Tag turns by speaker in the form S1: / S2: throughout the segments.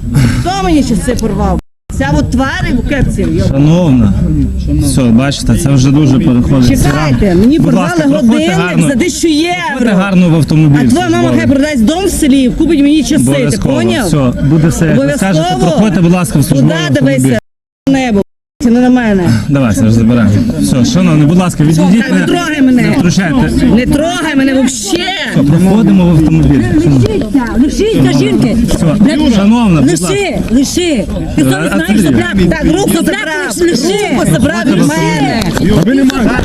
S1: Хто мені ще це порвав? Ця от твари в кепці.
S2: Шановна, все, бачите, це вже дуже переходить.
S1: Чекайте, мені
S2: Будь
S1: порвали
S2: ласка, проходьте
S1: годинник
S2: гарно.
S1: за 1000
S2: Проходьте
S1: євро.
S2: гарно в автомобіль.
S1: А твоя мама хай продасть дом в селі, купить мені часи, ти
S2: Обов'язково.
S1: поняв?
S2: Все, буде все, як ви скажете. Проходьте, будь ласка, в службовий
S1: Куди
S2: автомобіль.
S1: дивися? Небо, не на мене.
S2: Давай, Серж, забираємо. Все, шановні, будь ласка, відійдіть.
S1: Не трогай мене.
S2: Не втручайте.
S1: Не трогай мене взагалі.
S2: Проходимо в автомобіль.
S1: Лиши, жінки.
S2: Все, шановна, будь ласка.
S1: Лиши. Ти хто не знаєш, забрав? Так, руку забрав. Лиши. Руку забрав від мене.
S3: Ви не маєте.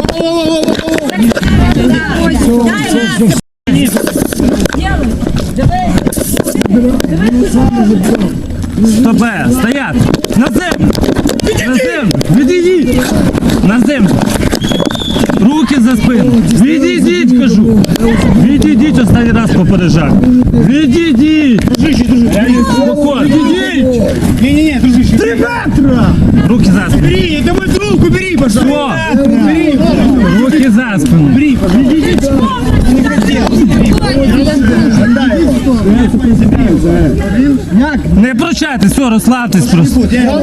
S2: Стопе, стоять! На землю! На землю! Відійдіть! На землю! Руки за спину! Відійдіть, кажу! Відійдіть, останній раз попереджаю! Відійдіть! Спокійно! Відійдіть!
S3: Не-не-не, дружище. 3 метра!
S2: Руки за спину!
S3: Бери, это мой друг, убери, пожалуйста.
S2: Все!
S3: Бери,
S2: Руки за спину!
S3: бери, пожалуйста. Не хотел.
S2: Не прощайтесь, все, розслабтесь просто!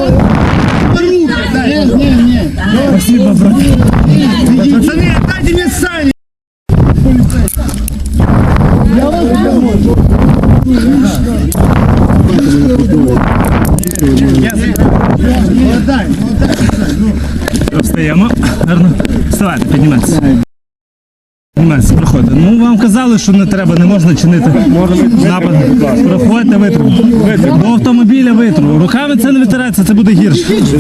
S2: Спасибо, брат!
S3: Пацаны, отдайте мне сани.
S2: Встаємо. Гарно. Вставайте, піднімайтеся. Піднімайтеся, проходьте. Ну, вам казали, що не треба, не можна чинити напад. Проходьте, витриму. До автомобіля витриму. Руками це не витирається, це буде гірше.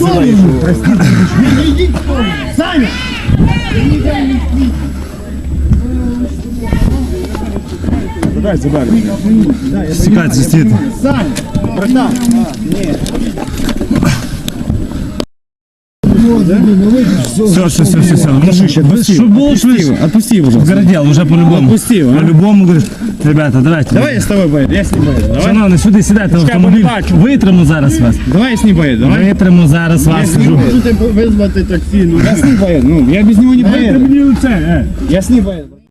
S3: Саня!
S2: Стікайте, стійте.
S3: Саня! Братан!
S2: Все. Ну, щоб було швидше.
S3: Отпусти его, пожалуйста.
S2: Городел, уже по-любому.
S3: Отпусти его, а?
S2: По-любому, говориш, ребята, давайте.
S3: Давай я с тобой поеду, я с ним поеду. Давай.
S2: Шановні, сюди сідайте в автомобіль.
S3: побачу.
S2: Витриму зараз вас.
S3: Давай я с ним поеду, давай.
S2: Витриму зараз вас, кажу.
S3: Вызвать такси, ну я с ним поеду, ну я без него не поеду. Я с ним поеду.